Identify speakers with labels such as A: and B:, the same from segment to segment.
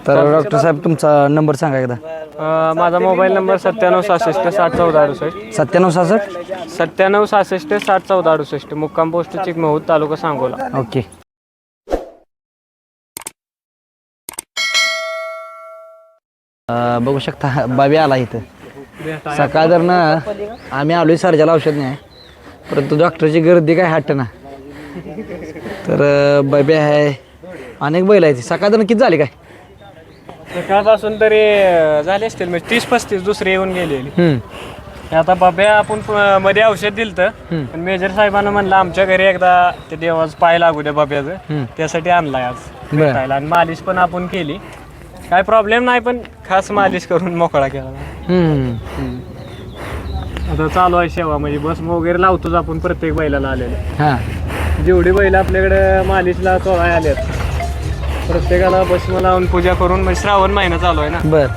A: तर डॉक्टर साहेब तुमचा नंबर सांगा एकदा.
B: माझा मोबाईल नंबर 9766601468.
A: 9766
B: मुक्काम पोस्ट चिकमहूद तालुका सांगोला.
A: ओके. बघू शकता बाबी आला इथं. सकाळ जर ना आम्ही आलोय सर्जाला औषध नाही परंतु डॉक्टरची गर्दी काय हट्ट ना. तर बाबी आहे अनेक बैल आहे. सकाळ जर किती झाली काय
B: सकाळपासून तरी झाले असतील म्हणजे 30-35 दुसरे येऊन गेलेली. आता बाब्या आपण मध्ये औषध दिलं तर मेजर साहेबांना म्हणलं आमच्या घरी एकदा ते देवाचं पाय लागू द्या बाब्याचं, त्यासाठी आणलाय आज भेटायला. आणि मालिश पण आपण केली, काय प्रॉब्लेम नाही, पण खास मालिश करून मोकळा केला. आता चालू आहे सेवा, म्हणजे बस वगैरे लावतोच आपण प्रत्येक बैलाला आलेलं. जेवढी बैल आपल्याकडे मालिशला चोळाय आल्यात प्रत्येकाला भस्म लावून पूजा करून, म्हणजे श्रावण महिना चालू आहे ना.
A: बर.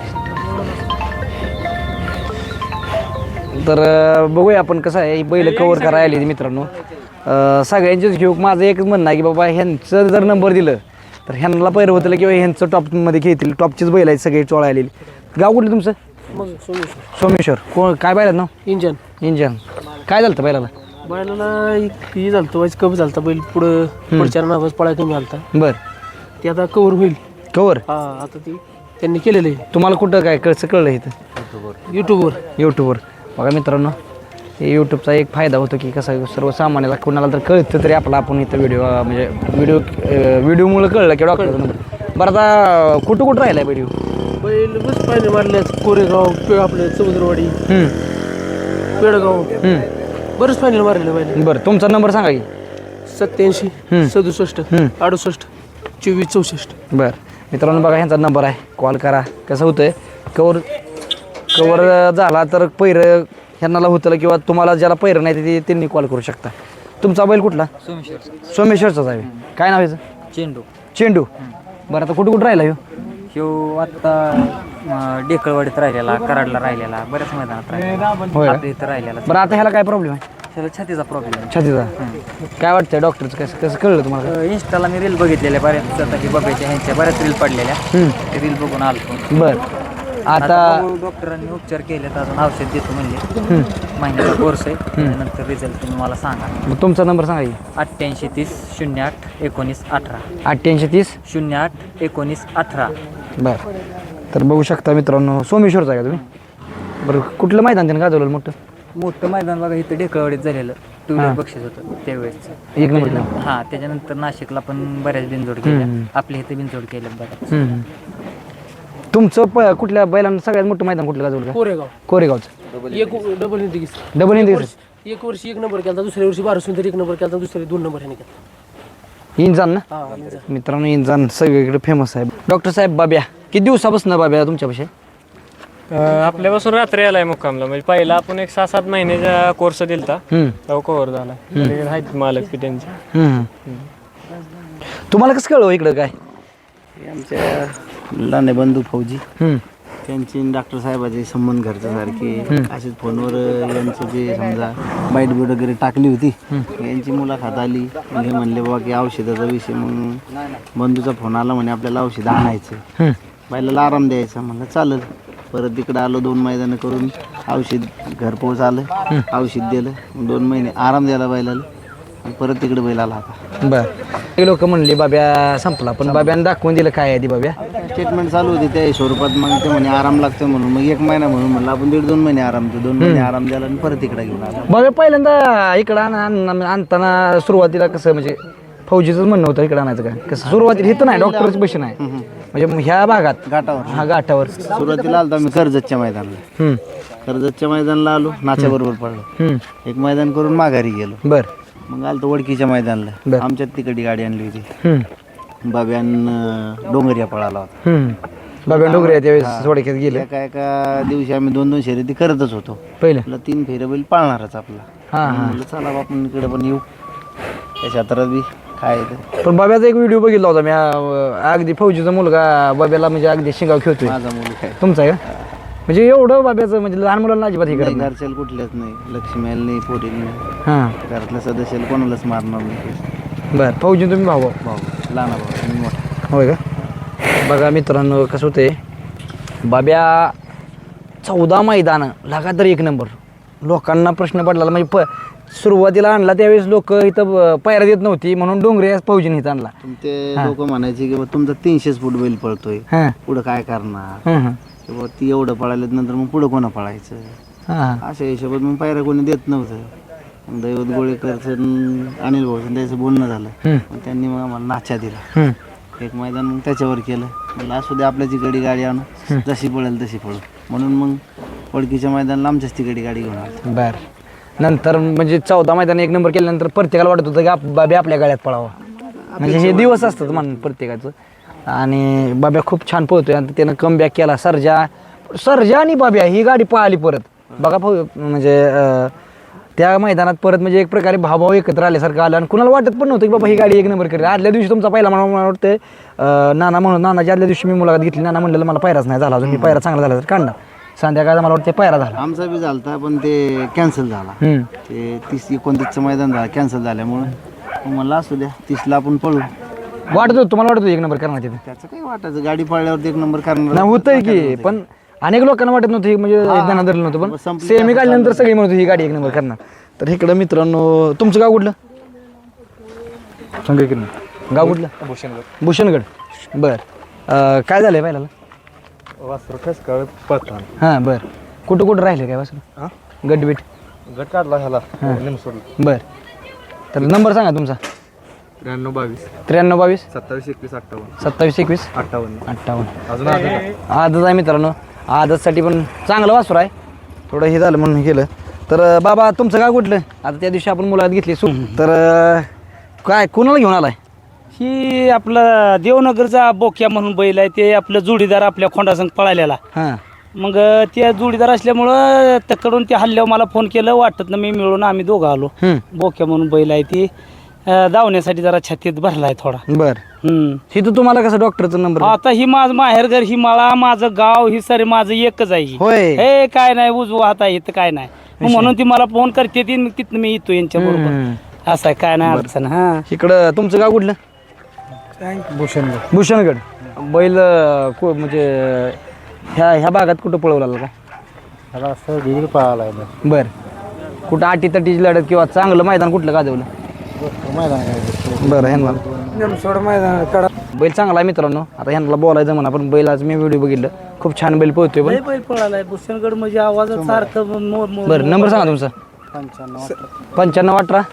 A: तर बघूया आपण कसं आहे बैल कव्हर करायला आली मित्रांनो. सगळ्यांचीच घेऊ. माझं एकच म्हणणं आहे की बाबा ह्यांचं जर नंबर दिलं तर ह्यांना पैर होतं किंवा ह्यांचं टॉपमध्ये घेतील. टॉपचीच बैल आहेत सगळे चोळा आलेली. गाव कुठलं तुमचं? सोमेश्वर. कोण काय बैलात ना?
B: इंजन.
A: काय झालं बैलाला?
B: ही झालं वाईज कप झालं बैल पुढच्या नावाच पळा कमी झालता.
A: बर.
B: ते आता कव्हर होईल.
A: कव्हर
B: आता ती त्यांनी केलेलं आहे.
A: तुम्हाला कुठं काय कसं कळलं इथं? युट्यूबवर. बघा मित्रांनो, हे यूट्यूबचा एक फायदा होतो की कसं सर्वसामान्याला कोणाला तर कळतं तरी आपण इथं म्हणजे व्हिडिओमुळे कळलं की डॉक्टर नंबर. बरं आता कुठं राहिला व्हिडिओ?
B: बैल बस पाहिजे मारले. कोरेगाव, आपलं समुद्रवाडी, पेडगाव, बरंच फायनल मारलेलं बैल.
A: बरं, तुमचा नंबर सांगा की.
B: 87 67 68 24 64.
A: बरं मित्रांनो, बघा ह्यांचा नंबर आहे, कॉल करा. कसं होतंय कवर झाला तर पैरं ह्यांना होतं किंवा तुम्हाला ज्याला पैरं नाही ते त्यांनी कॉल करू शकता. तुमचा बैल कुठला? सोमेश्वरचाच आहे. काय नाव याचं? चेंडू. बरं, आता कुठं राहिला
C: ह्यो आत्ता डेकळवाडीत राहिलेला, कराडला राहिलेला, बऱ्याच मैदानात राहिलेला, इथं राहिलेला.
A: बरं, आता ह्याला काय प्रॉब्लेम आहे?
C: त्याला छातीचा प्रॉब्लेम आहे.
A: छातीचा. काय वाटतंय डॉक्टरचं कसं कळलं तुम्हाला?
C: इंस्टाला मी रील बघितलेल्या बऱ्याच, आता की बघायच्या ह्यांच्या बऱ्याच रील पडलेल्या, ते रील बघून आलो.
A: बरं. आता
C: डॉक्टरांनी उपचार केले, अजून औषध देतो म्हणले. महिन्याचा कोर्स आहे, त्यानंतर रिझल्ट तुम्ही मला सांगा.
A: मग तुमचा नंबर सांगा की.
C: 88 30 08 19 18.
A: 88 30
C: 08 19 18.
A: बरं. तर बघू शकता मित्रांनो, सोमेश्वरचा आहे का तुम्ही? बरं, कुठलं मैदान त्यानं गाजवलं
C: मोठं मैदान बघा इथं डेकळवाडीत झालेलं, 2 व्हीलर बक्षीस होतं त्यावेळेस.
A: एक नंबर.
C: हां, त्याच्यानंतर नाशिकला पण बऱ्याच बिनजोड केल्या, आपल्या इथे बिनजोड केल्या बऱ्याच.
A: तुमचं कुठल्या बैलांना सगळ्यात मोठं मैदान कुठलं गाजवलं? कोरेगावचं.
B: डबल
A: हिंदी
B: एक वर्षी 1 नंबर केला, दुसऱ्या वर्षी 12 1 नंबर केला, दुसऱ्या 2 नंबर ह्याने केला.
A: इंजान ना मित्रांनो, इंजान सगळीकडे फेमस आहे. डॉक्टर साहेब बाब्या किती दिवसापासून बाब्या तुमच्यापाशी?
B: आपल्यापासून रात्री आलाय मुक्कामला. म्हणजे पहिला आपण एक 6-7 महिन्याचा कोर्स दिलता, तो कव्हर झाला. आहेत मालक की त्यांचे.
A: तुम्हाला कसं कळलं इकडं काय?
D: आमच्या लहान बंधू फौजी त्यांची डॉक्टर साहेबाचे संबंध घरच्यासारखे. असेच फोनवर यांचं जे समजा बाईट बीट वगैरे टाकली होती, यांची मुलाखत आली. हे म्हणले बाबा की औषधाचा विषय, मग बंधूचा फोन आला म्हणे आपल्याला औषध आणायचं, बाईला आराम द्यायचा. म्हणलं चालेल. परत तिकडं आलो, 2 मैदानं करून औषध घरपोच आलं, औषध दिलं, 2 महिने आराम द्यायला बैलाला, आणि परत तिकडे बैल आला आता.
A: बरं. लोक म्हणले बाब्या संपला, पण बाब्यानं दाखवून दिलं काय आहे ती बाब्या.
D: ट्रीटमेंट चालू होती त्या स्वरूपात. मग ते म्हणे आराम लागतो म्हणून, मग 1 महिना म्हणून म्हणलं आपण 1.5-2 महिने आराम देऊ. 2 महिने आराम द्यायला आणि परत इकडे घेऊन आला.
A: बाब्या पहिल्यांदा इकडं आणताना सुरुवातीला कसं म्हणजे फौजीचंच म्हणणं होतं इकडं आणायचं काय? कसं सुरुवातीला इथं नाही, डॉक्टरची पैसे नाही म्हणजे ह्या भागात घाटावर
D: सुरुवातीला आलो आम्ही कर्जतच्या मैदानाला. कर्जतच्या मैदानाला आलो, नाच्या बरोबर पडलो, 1 मैदान करून माघारी गेलो.
A: बरं.
D: मग आलो वडकीच्या मैदानाला, आमच्यात तिकडची गाडी आणली होती. बाब्यान डोंगरिया पळाला होता.
A: बाब्या डोंगरिया त्यावेळेस सोडक्यात गेले.
D: एका दिवशी आम्ही 2-2 शर्यती करतच होतो.
A: पहिलं
D: 3 फेऱ्या बैल पाळणारच आपला. म्हणलं चला आपण इकडे पण येऊ, त्या क्षेत्रात बी काय.
A: पण बाब्याचा एक व्हिडिओ बघितला होता मी, अगदी फौजीचा मुलगा बाब्याला म्हणजे अगदी शिंगाव खेळतोय.
D: माझा मुलगा आहे.
A: तुमचा आहे का? म्हणजे एवढं बाब्याचं म्हणजे लहान मुलांना अजिबात हे करत नाही.
D: घरच्याला कुठल्याच नाही, लक्ष्मीला नाही, पोरी नाही, घरातल्या सदस्याला कोणालाच मारणार नाही.
A: बरं. फौजी तुम्ही भाऊ?
D: भाऊ लहान भाऊ, मी मोठा.
A: होय का? बघा मित्रांनो कसं होते बाब्या 14 मैदानं लगातार 1 नंबर. लोकांना प्रश्न पडला म्हणजे सुरुवातीला आणला त्यावेळेस लोक इथं पायऱ्या देत नव्हती म्हणून डोंगरे फौजीने इथं आणला.
D: ते लोक म्हणायचे की तुमचा 300 फूट बैल पळतोय,
A: हां
D: पुढं काय करणार,
A: हां
D: किंवा ती एवढं पळाल्यात नंतर मग पुढं कोणा पळायचं,
A: हां
D: अशा हिशोबात मग पायऱ्या कोणी देत नव्हतं. मग दैवत गोळेकरचं अनिल भाऊचं त्याचं बोलणं झालं. मग त्यांनी मग आम्हाला नाचा दिला. एक मैदान मग त्याच्यावर केलं. म्हणलं असू दे आपल्याची गाडी आणू, जशी पळेल तशी पळू म्हणून मग ओळखीच्या मैदानाला आमच्याच तिकडे गाडी घेऊन आलो.
A: बर. नंतर म्हणजे 14 मैदान 1 नंबर केल्यानंतर प्रत्येकाला वाटत होतं की बाबी आपल्या गाड्यात पळावा. म्हणजे हे दिवस असतात मान प्रत्येकाचं. आणि बाब्या खूप छान पळतोय आणि त्यानं कमबॅक केला. सर्जा आणि बाब्या ही गाडी पळाली परत बघा म्हणजे त्या मैदानात परत म्हणजे एक प्रकारे भावभाव एकत्र आल्यासारखं आलं आणि कुणाला वाटत पण नव्हतं की बाबा ही गाडी 1 नंबर करेल. आदल्या दिवशी तुमचा पहिला मला वाटतं नानाच्या आदल्या दिवशी मी मुलाखत घेतली. नाना म्हणलेलं मला पायराच नाही झाला अजून, मी पायरा चांगला झाला तर काढणार. संध्याकाळचा मला वाटतं पायरा झाला.
D: आमचा बी झालता पण ते कॅन्सल झाला. ते 30-29चं मैदान झालं कॅन्सल झाल्यामुळं मला असू द्या 30ला आपण पळू.
A: वाटत होतं तुम्हाला वाटत होतं 1 नंबर करणार तिथे?
D: त्याचं काही वाटायचं, गाडी पळल्यावरती 1 नंबर करणार
A: नाही होतंय की, पण अनेक लोकांना वाटत नव्हतं म्हणजे ज्ञान धरलं नव्हतं. पण सेमी काढल्यानंतर सगळी म्हणत ही गाडी 1 नंबर करणार. तर इकडं मित्रांनो तुमचं गाव कुठलं? संगीत गाव कुठलं? भूषणगड. बर. काय झालंय पहिल्याला? हां बर. कुठं राहिले काय वासरू? गटबीट
E: गट काढला ह्याला
A: बर. तर नंबर सांगा तुमचा.
E: 93-22
A: 93-22
E: 27-21-58
A: 27-21
E: 58
A: 58.
E: अजून आधी
A: आजच आहे मित्रांनो. आजसाठी पण चांगलं वासरू आहे. थोडं हे झालं म्हणून केलं. तर बाबा तुमचं गाव कुठलं? आता त्या दिवशी आपण मुलाखत घेतली तर काय कुणाला घेऊन आलाय?
F: ही आपलं देवनगरचा बोक्या म्हणून बैल आहे. ते आपलं जोडीदार आपल्या खोंडासंग पळालेला.
A: हां
F: मग त्या जोडीदार असल्यामुळं त्याकडून ते हल्ल्यावर मला फोन केलं. वाटत ना मी मिळून आम्ही दोघं आलो. बोक्या म्हणून बैल आहे. ती धावण्यासाठी जरा छातीत भरला आहे थोडा.
A: बर. इथं तुम्हाला कसं डॉक्टरचा नंबर?
F: आता ही माझं माहेरघर, ही मला माझं गाव, ही सर माझं एकच आहे.
A: होय.
F: हे काय नाही उजवा हात आहे इथं काय नाही. मग म्हणून ती मला फोन करते ती तिथनं मी येतो यांच्या बरोबर. असं आहे काय नाही अडचण. हा
A: इकडं तुमचं गाव कुठलं? भूषणगड. बैल म्हणजे ह्या भागात कुठं पळवला का?
E: पळाला
A: बर. कुठं आटी तटीची लढत किंवा चांगलं मैदान कुठलं गाजवलं? बरं. ह्यांना बैल चांगला आहे मित्रांनो. आता ह्यांना बोलायचं म्हणा पण बैल आज मी व्हिडिओ बघितलं खूप छान बैल पळतोय. पण
F: बैल पळालाय भूषणगड म्हणजे आवाजात सारखं
A: बरं. नंबर सांगा तुमचा. 95-18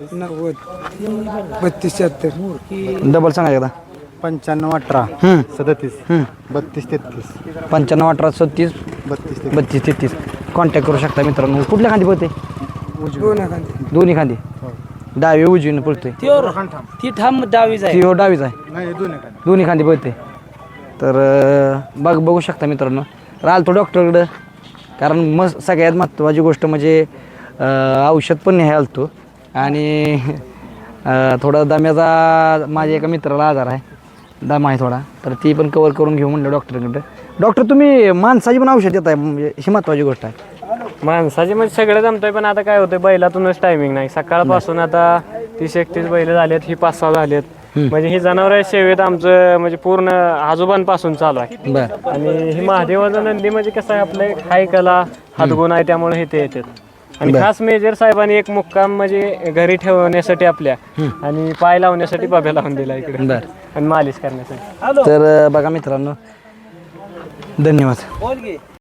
A: डबल सांगा एकदा.
E: 95-18 37 32-33
A: 95-18 37 32-33 कॉन्टॅक्ट करू शकता मित्रांनो. कुठल्या खांदी पळते? दोन्ही खांदी. डावी उजवीनं पळतोय.
F: ती ठाम डावीच आहे.
A: ती हो डावीच आहे. दोन्ही खांदी पळते. तर बघू शकता मित्रांनो. राहिलो डॉक्टरकडं कारण सगळ्यात महत्त्वाची गोष्ट म्हणजे औषध पण न्यायला आलतो आणि थोडा दम्याचा माझ्या एका मित्राला आजार आहे. दम आहे थोडा. तर ती पण कवर करून घेऊ म्हणलं डॉक्टरकडं. डॉक्टर तुम्ही माणसाची पण औषध देत आहे म्हणजे ही महत्त्वाची गोष्ट आहे.
B: माणसाचे म्हणजे सगळं जमतंय पण आता काय होतंय बैलातूनच टायमिंग नाही. सकाळपासून आता 30-31 बैल झालेत. ही 5-6 झालेत. म्हणजे ही जनावर सेवेत आमचं म्हणजे पूर्ण आजोबांपासून चालू आहे.
A: बरं.
B: आणि ही महादेवाचं नंदी म्हणजे कसं आहे आपलं हाय कला हातगुण आहे त्यामुळे हे ते येतात. आणि खास मेजर साहेबांनी एक मुक्काम म्हणजे घरी ठेवण्यासाठी आपल्या आणि पाय लावण्यासाठी बाब्या लावून दिला इकडे.
A: बरं.
B: आणि मालिश करण्यासाठी.
A: तर बघा मित्रांनो धन्यवाद.